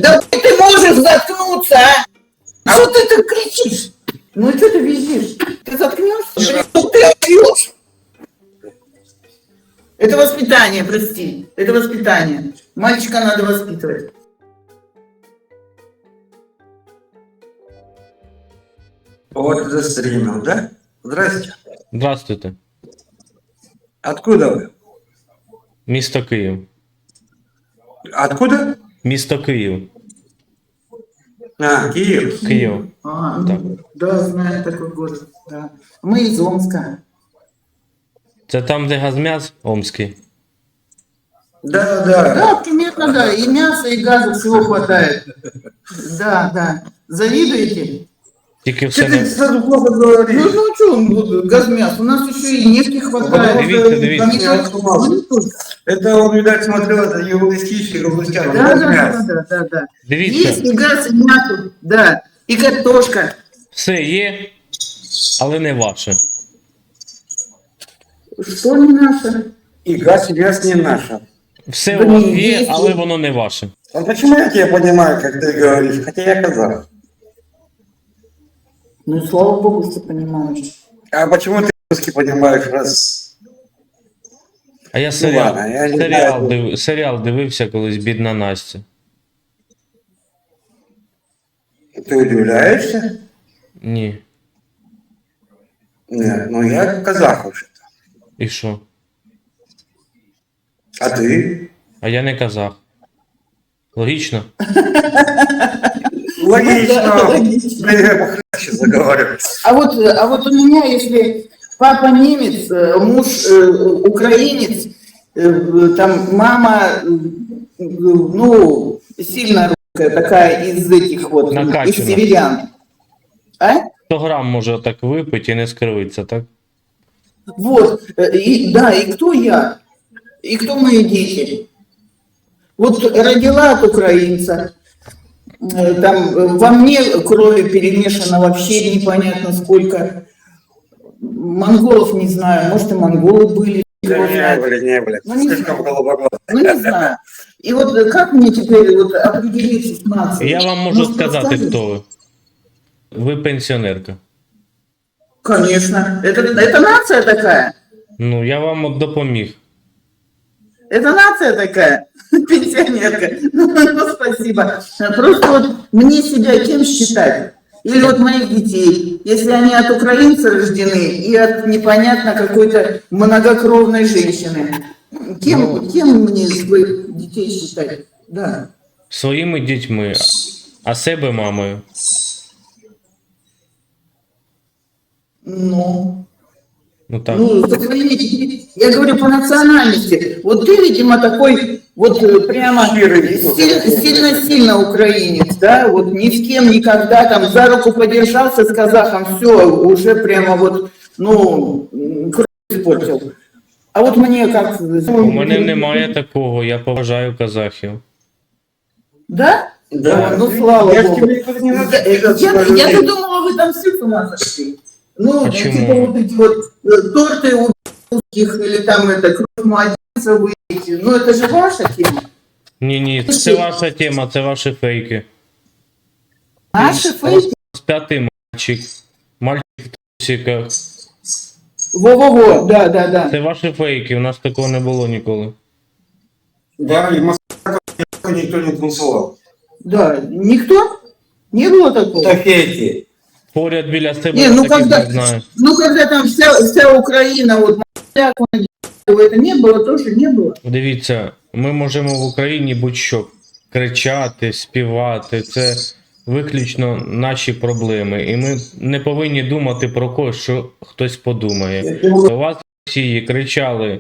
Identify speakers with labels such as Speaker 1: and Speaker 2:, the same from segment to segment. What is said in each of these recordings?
Speaker 1: Да ты можешь заткнуться, а? Что ты так кричишь? Ну что ты визжишь? Ты заткнешься? Что ты орешь? Это воспитание, прости. Это воспитание. Мальчика надо воспитывать.
Speaker 2: Вот застримил, да? Здрасте.
Speaker 3: Здравствуйте.
Speaker 2: Откуда вы?
Speaker 3: Місто Київ.
Speaker 2: Откуда?
Speaker 3: Місто Київ.
Speaker 2: А, Киев.
Speaker 3: Київ.
Speaker 1: А,
Speaker 3: Так.
Speaker 1: да, знаю такой город. Да. Мы из Омска.
Speaker 3: Це там, де Газмяс Омський.
Speaker 2: Да, да.
Speaker 1: Да, примерно, да. И мяса, и газа всего хватает. Да, да. Завидуете?
Speaker 3: Тільки
Speaker 2: Что
Speaker 3: все
Speaker 2: ты
Speaker 3: не...
Speaker 2: сразу плохо
Speaker 1: Ну,
Speaker 2: говоришь?
Speaker 1: ну что он будет, газмяс? У нас еще и нефти хватает.
Speaker 3: Дивіться.
Speaker 1: Не только-
Speaker 2: Это он, видать, смотрел, это юмористический Галустян.
Speaker 1: Да, да, да.
Speaker 3: Дивіться,
Speaker 1: Есть и газ, и мясо, да. И картошка.
Speaker 3: все є, але не ваше.
Speaker 1: Что не наше?
Speaker 2: И газ, и газ не наша.
Speaker 3: Все
Speaker 1: Да
Speaker 3: у вас
Speaker 1: ні,
Speaker 3: є,
Speaker 1: є.
Speaker 3: але воно не ваше.
Speaker 2: А почему я тебя понимаю, как ты говоришь? Хотя я казах.
Speaker 1: Ну, слава богу, что понимаешь.
Speaker 2: А почему ты русский понимаешь, раз...
Speaker 3: А я серіал,
Speaker 2: ладно, я не знаю.
Speaker 3: серіал дивився колись «Бідна Настя».
Speaker 2: Ты удивляешься?
Speaker 3: Ні.
Speaker 2: Нет, ну я казах уже.
Speaker 3: І що?
Speaker 2: А ты?
Speaker 3: А я не казах. Логічно?
Speaker 2: Логично.
Speaker 1: Логично.
Speaker 2: Я похлеще заговариваю.
Speaker 1: А вот у меня, если папа немец, муж украинец, там мама, ну, сильно русская, такая из этих вот, из
Speaker 3: Накачана.
Speaker 1: северян. А?
Speaker 3: 100 грам може так випити і не скривиться, так?
Speaker 1: Вот, и, да, и кто я? И кто мои дети? Вот родила от украинца, там во мне крови перемешано вообще непонятно сколько. Монголов не знаю, может и монголы были.
Speaker 2: Да
Speaker 1: кто
Speaker 2: не,
Speaker 1: знает.
Speaker 2: блин.
Speaker 1: Ну, не
Speaker 2: Слишком
Speaker 1: знаю.
Speaker 2: голубоглазый.
Speaker 1: Ну не знаю. И вот как мне теперь вот определиться с нацией?
Speaker 3: Я вам можу
Speaker 1: Может,
Speaker 3: сказати,
Speaker 1: подскажете?
Speaker 3: хто ви. Ви пенсіонерка.
Speaker 1: Конечно. Это нация такая.
Speaker 3: Ну, я вам от допоміг.
Speaker 1: Это нация такая, пенсионерка. Ну, спасибо. Просто вот мне себя кем считать? Или вот моих детей, если они от украинца рождены и от непонятно какой-то многокровной женщины. Кем мне своих детей считать? Да.
Speaker 3: Своїми дітьми, а себе мамою.
Speaker 1: Ну,
Speaker 3: Ну так.
Speaker 1: ну, со своими детьми. Я говорю по национальности. Вот ты, видимо, такой вот прямо сильно украинец, да? Вот ни с кем никогда там за руку подержался с казахом, все, уже прямо вот, ну, кровь испортил. А вот мне как...
Speaker 3: У мене немає такого, я поважаю казахів.
Speaker 1: Да?
Speaker 2: Да.
Speaker 1: Ну, слава
Speaker 2: Я ж
Speaker 1: богу.
Speaker 2: тебе никогда не
Speaker 1: Я,
Speaker 2: надо.
Speaker 1: я-то думала, вы там все с ума сошли. Ну,
Speaker 3: Почему?
Speaker 1: типа вот эти вот торты у русских или там это кровь младенца вы едите. Ну, это же ваша тема.
Speaker 3: Ні, це ваша тема, це ваші фейки.
Speaker 1: Наши фейки.
Speaker 3: Розп'ятий мальчик в трусиках.
Speaker 1: Во-во-во, да.
Speaker 3: Це ваші фейки, у нас такого не було ніколи.
Speaker 2: Да, и в Москве никто не танцевал.
Speaker 1: Да, никто? Не было такого?
Speaker 2: Это фейки.
Speaker 3: Поряд біля себе
Speaker 1: Не,
Speaker 3: я
Speaker 1: ну
Speaker 3: таких
Speaker 1: когда,
Speaker 3: не знаю.
Speaker 1: ну когда там вся Украина, вот, это не было, тоже не было.
Speaker 3: Дивіться, ми можемо в Україні будь-що кричати, співати. Це виключно наші проблеми. І ми не повинні думати про когось, що хтось подумає. У вас в Росії кричали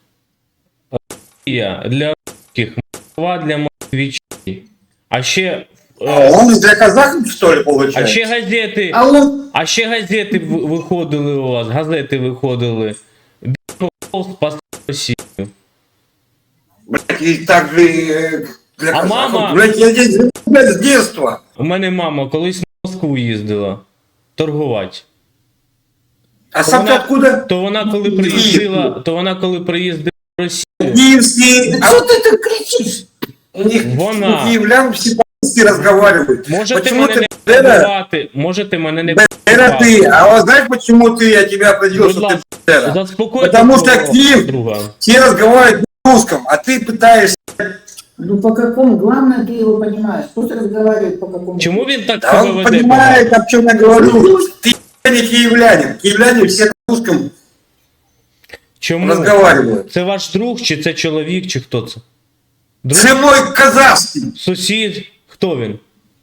Speaker 3: «Росія для русських, Москва для москвичей». А ще,
Speaker 2: Он для казахов, что ли,
Speaker 3: а
Speaker 2: получается?
Speaker 3: ще газети,
Speaker 1: А
Speaker 3: газети виходили у вас, газети виходили. Білий спасти Росію.
Speaker 2: Блядь, и так же для
Speaker 3: А
Speaker 2: казахов.
Speaker 3: мама?
Speaker 2: Блядь, я здесь блядь, с детства.
Speaker 3: У мене мама колись на Москву їздила торгувати.
Speaker 2: А сам ты откуда?
Speaker 3: То вона коли приїздила в Росію,
Speaker 2: Киевский.
Speaker 1: что ты так кричишь?
Speaker 2: У них
Speaker 3: Вона.
Speaker 2: у киевлян все по-русски по-русски разговаривают.
Speaker 3: Можете
Speaker 2: Почему
Speaker 3: мене
Speaker 2: ты,
Speaker 3: не
Speaker 2: Бендера,
Speaker 3: перебивати, можете мене не
Speaker 2: Бендера
Speaker 3: перебивати.
Speaker 2: ты? А вот знаешь, почему я тебя определил,
Speaker 3: Будь
Speaker 2: что ты
Speaker 3: ласка,
Speaker 2: Бендера?
Speaker 3: заспокойте
Speaker 2: Потому что
Speaker 3: свого
Speaker 2: Киев,
Speaker 3: друга.
Speaker 2: все разговаривают на русском, а ты пытаешься...
Speaker 1: Ну по какому? Главное, ты его понимаешь. Пусть разговаривает по какому.
Speaker 3: Чому він так
Speaker 2: Да
Speaker 3: себе
Speaker 2: он
Speaker 3: веде
Speaker 2: понимает,
Speaker 3: погано?
Speaker 2: о чем я говорю. Ты не киевлянин. Киевляне все на русском
Speaker 3: Чому?
Speaker 2: разговаривают.
Speaker 3: Це ваш друг, чи це чоловік, чи хто це? Друг?
Speaker 2: Це мой казахский.
Speaker 3: Сусід? Хто він?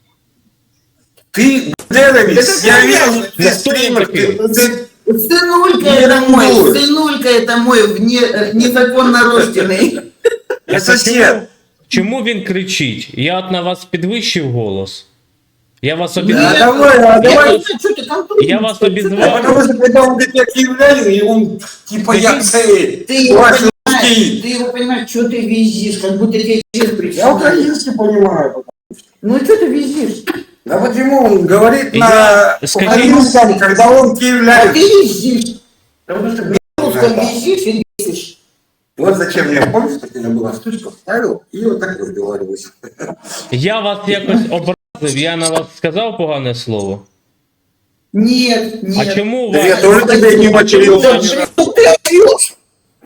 Speaker 2: Ты Бендерович,
Speaker 1: Это
Speaker 2: я
Speaker 1: понятно.
Speaker 2: видел,
Speaker 3: Да
Speaker 2: ты
Speaker 3: кто он
Speaker 2: стример,
Speaker 3: такой?
Speaker 2: ты...
Speaker 1: Сынулька
Speaker 2: Не
Speaker 1: это мой,
Speaker 2: ревнуй.
Speaker 1: сынулька это мой незаконно рожденный.
Speaker 2: Я сосед.
Speaker 3: Чому він кричить? Я от на вас підвищив голос. Я вас
Speaker 2: Да,
Speaker 3: обізвав.
Speaker 2: давай,
Speaker 1: Я
Speaker 2: давай.
Speaker 1: не знаю, что ты там
Speaker 3: Я вас
Speaker 2: А
Speaker 3: обізвав.
Speaker 2: потому что когда он говорит, я киевлянин, и он типа я цей,
Speaker 1: Ты его
Speaker 2: ваш
Speaker 1: понимаешь,
Speaker 2: русский.
Speaker 1: ты его понимаешь, что ты визжишь, как будто тебе честь
Speaker 2: Я
Speaker 1: причем.
Speaker 2: украинский понимаю.
Speaker 1: Ну что ты визжишь?
Speaker 2: Да почему он говорит
Speaker 3: Я-
Speaker 2: на
Speaker 3: скажи-
Speaker 2: русском, когда он
Speaker 1: А
Speaker 2: киевлянин?
Speaker 1: ты визжишь. Потому что на русском визжишь и бесишь.
Speaker 2: Вот зачем я, помнишь, как у меня была штучка, вставил и вот так разговариваюсь.
Speaker 3: Я вас якось образив, я на вас сказав погане слово.
Speaker 1: Нет, нет.
Speaker 3: А чому
Speaker 2: Да
Speaker 3: вас...
Speaker 2: я тоже тебе не материл.
Speaker 1: Да что ты орёшь?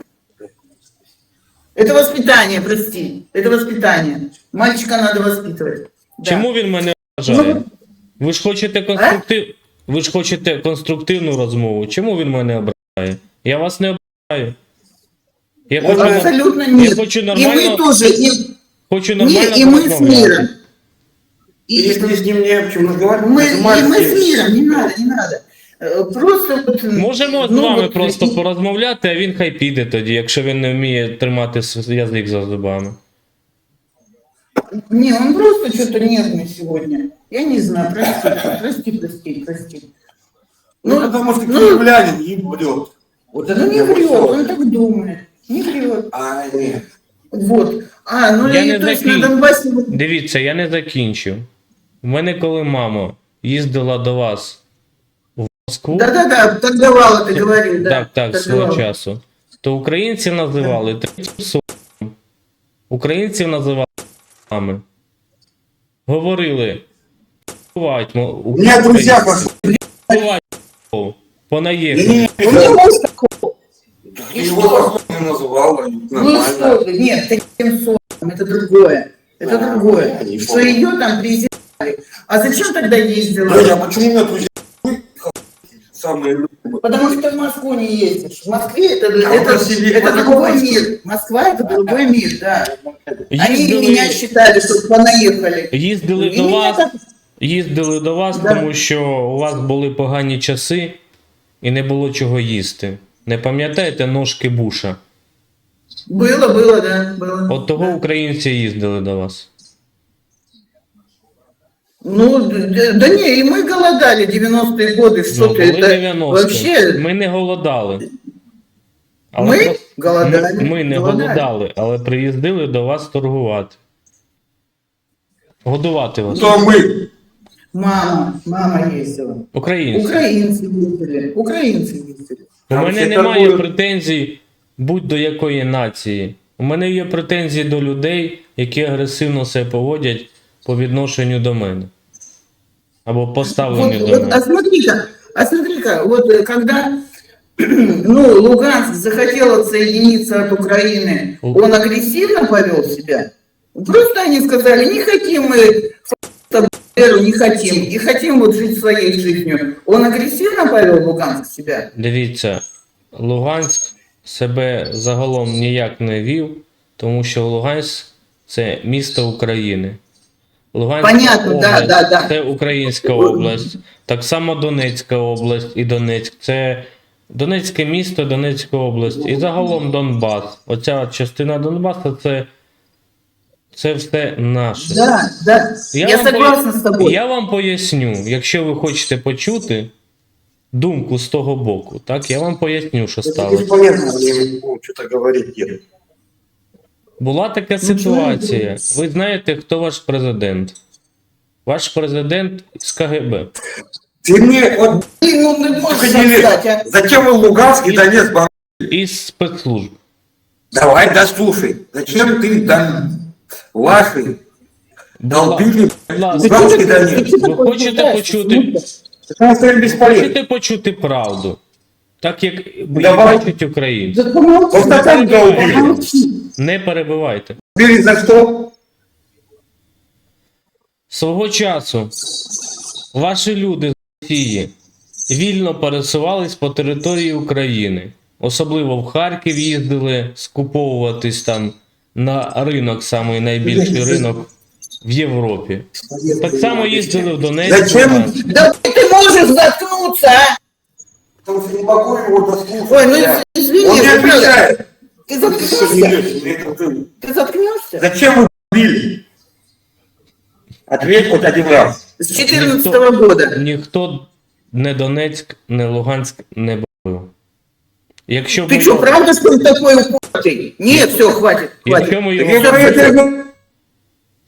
Speaker 1: Это воспитание, прости. Это воспитание. Мальчика надо воспитывать. Да.
Speaker 3: Чому він мене ображає? Ви ж хочете Ви ж хочете конструктивну розмову. Чому він мене ображає? Я вас не ображаю. Я
Speaker 2: Вот
Speaker 3: хочу,
Speaker 1: Абсолютно
Speaker 3: я
Speaker 1: нет.
Speaker 3: хочу
Speaker 1: И
Speaker 3: нормально,
Speaker 1: мы тоже.
Speaker 3: хочу
Speaker 1: Не,
Speaker 3: нормально
Speaker 1: и мы с
Speaker 3: порозмовляти.
Speaker 1: миром.
Speaker 2: И если с ним не о чем разговаривать,
Speaker 1: Мы, и мы
Speaker 2: нажимаешь
Speaker 1: с миром, не надо, не надо. Просто вот,
Speaker 3: Можемо з
Speaker 1: ну,
Speaker 3: вами
Speaker 1: вот,
Speaker 3: просто порозмовляти, а він хай піде тоді, якщо він не вміє тримати язик за зубами.
Speaker 1: Не, он просто что-то нервный сегодня. Я не знаю, прости.
Speaker 2: Ну, потому что
Speaker 1: ну,
Speaker 2: киевлянин и врет. Вот это
Speaker 1: Ну не
Speaker 2: я
Speaker 1: врет,
Speaker 2: понял.
Speaker 1: он так думает. Не врет.
Speaker 2: А, нет.
Speaker 1: Вот. А, ну
Speaker 3: Я
Speaker 1: и
Speaker 3: не
Speaker 1: то есть на
Speaker 3: закинь.
Speaker 1: Донбассе...
Speaker 3: Дивіться, я не закінчив. У мене коли мама їздила до вас в Москву,
Speaker 1: Да-да-да, так давала, ты говорил, да.
Speaker 3: так,
Speaker 1: так
Speaker 3: свого
Speaker 1: давала.
Speaker 3: часу, то українці називали третім сортом. Українців називали мами. Говорили, «Бувать,
Speaker 2: У меня друзья пошли.
Speaker 3: понаїхали.
Speaker 1: У него есть такого.
Speaker 2: Его похоже называл,
Speaker 1: Ну
Speaker 2: нормально.
Speaker 1: что ты, нет, таким сортом, это другое. Это
Speaker 2: Да,
Speaker 1: другое.
Speaker 2: я не
Speaker 1: Что
Speaker 2: помню.
Speaker 1: ее там презирали. А зачем тогда ездила?
Speaker 2: Да, я почему у меня друзья самые любимые?
Speaker 1: Потому что ты в Москву не ездишь. В Москве
Speaker 2: А
Speaker 1: это
Speaker 2: в России
Speaker 1: это
Speaker 2: по-другому
Speaker 1: другой
Speaker 2: Москва.
Speaker 1: мир. Москва это другой мир, да. Они
Speaker 3: Їздили,
Speaker 1: меня считали, что понаехали.
Speaker 3: їздили
Speaker 1: И
Speaker 3: до
Speaker 1: меня
Speaker 3: вас,
Speaker 1: так-
Speaker 3: їздили до вас,
Speaker 1: Да.
Speaker 3: тому що у вас були погані часи і не було чого їсти. Не пам'ятаєте ножки Буша?
Speaker 1: Было, да, было.
Speaker 3: От того
Speaker 1: Да.
Speaker 3: українці їздили до вас.
Speaker 1: Ну, да не, и мы голодали 90-е годы, что
Speaker 3: Ну,
Speaker 1: ты,
Speaker 3: були
Speaker 1: это
Speaker 3: 90-ті.
Speaker 1: вообще...
Speaker 3: Ми не голодали.
Speaker 1: Ми
Speaker 3: просто-
Speaker 1: голодали.
Speaker 3: Ми не голодали, але приїздили до вас торгувати. Годувати вас.
Speaker 2: Кто мы?
Speaker 1: Мама ездила.
Speaker 3: Українці.
Speaker 1: Украинцы ездили.
Speaker 3: У
Speaker 2: Там
Speaker 3: мене
Speaker 2: всі
Speaker 3: немає
Speaker 2: торгують.
Speaker 3: претензій будь-до якої нації. У мене є претензії до людей, які агресивно себе поводять по відношенню до мене. Або поставленню до мене.
Speaker 1: А смотри-ка, вот когда ну, Луганск захотел отсоединиться от Украины, он агрессивно повел себя? Просто они сказали, не хотим мы фашистов, не хотим, и хотим вот жить своей жизнью. Он агрессивно повел Луганск себя?
Speaker 3: Дивіться, Луганськ себе загалом ніяк не вів, тому що Луганськ це місто України. Луганська
Speaker 1: Понятно,
Speaker 3: область
Speaker 1: да.
Speaker 3: це Українська область. Так само Донецька область і Донецьк. Це Донецьке місто, Донецька область. І загалом Донбас. Оця частина Донбасу це все наше.
Speaker 1: Да. Я
Speaker 3: вам
Speaker 1: согласна с тобой.
Speaker 3: Я вам поясню, якщо ви хочете почути думку з того боку, так, я вам поясню, що
Speaker 2: Это
Speaker 3: сталося.
Speaker 2: бесполезно мне что-то говорить. Нет.
Speaker 3: Була така
Speaker 1: Ну,
Speaker 3: ситуація. Ви знаєте, хто ваш президент? Ваш президент з КГБ.
Speaker 2: Ты мне вот
Speaker 1: Ну, ты можешь
Speaker 2: ходили,
Speaker 1: сказать, а?
Speaker 2: зачем вы Луганск и Донецк бомбили?
Speaker 3: Із спецслужб.
Speaker 2: Давай, да слушай, зачем ты там ваши Долбили,
Speaker 3: Будь ласка,
Speaker 2: Луганский Донецк.
Speaker 3: ви хочете почути,
Speaker 2: Это стали бесполезно.
Speaker 3: хочете почути правду? Так як її
Speaker 2: Давай.
Speaker 3: бачать українці.
Speaker 1: Да помолчи,
Speaker 2: Вот так долбили.
Speaker 1: помолчи.
Speaker 3: Не перебивайте.
Speaker 2: Били за что?
Speaker 3: Свого часу ваші люди з Росії вільно пересувались по території України. Особливо в Харків їздили скуповуватись там на ринок, самий найбільший ринок в Європі. Так само їздили в Донецьк.
Speaker 2: Зачем?
Speaker 3: Луганськ.
Speaker 1: Да ты можешь заткнуться, а?
Speaker 2: Потому что не могу его дослушать.
Speaker 1: Ой, ну
Speaker 2: Я-
Speaker 1: извини,
Speaker 2: Он не
Speaker 1: ну, правда.
Speaker 2: отвечает.
Speaker 1: Ты
Speaker 2: Что не
Speaker 1: заткнешься?
Speaker 2: лезешь, мне это-
Speaker 1: Ты заткнешься?
Speaker 2: Зачем вы били? Ответь хоть один раз.
Speaker 1: С 14 года.
Speaker 3: Ніхто не Донецьк, не Луганськ не бив. Якщо
Speaker 1: Ты
Speaker 3: ви-
Speaker 1: что, правда, что ли, такой упоротый? Нет, все, хватит, хватит.
Speaker 3: якщо ми
Speaker 2: Так
Speaker 3: його
Speaker 2: я говорю,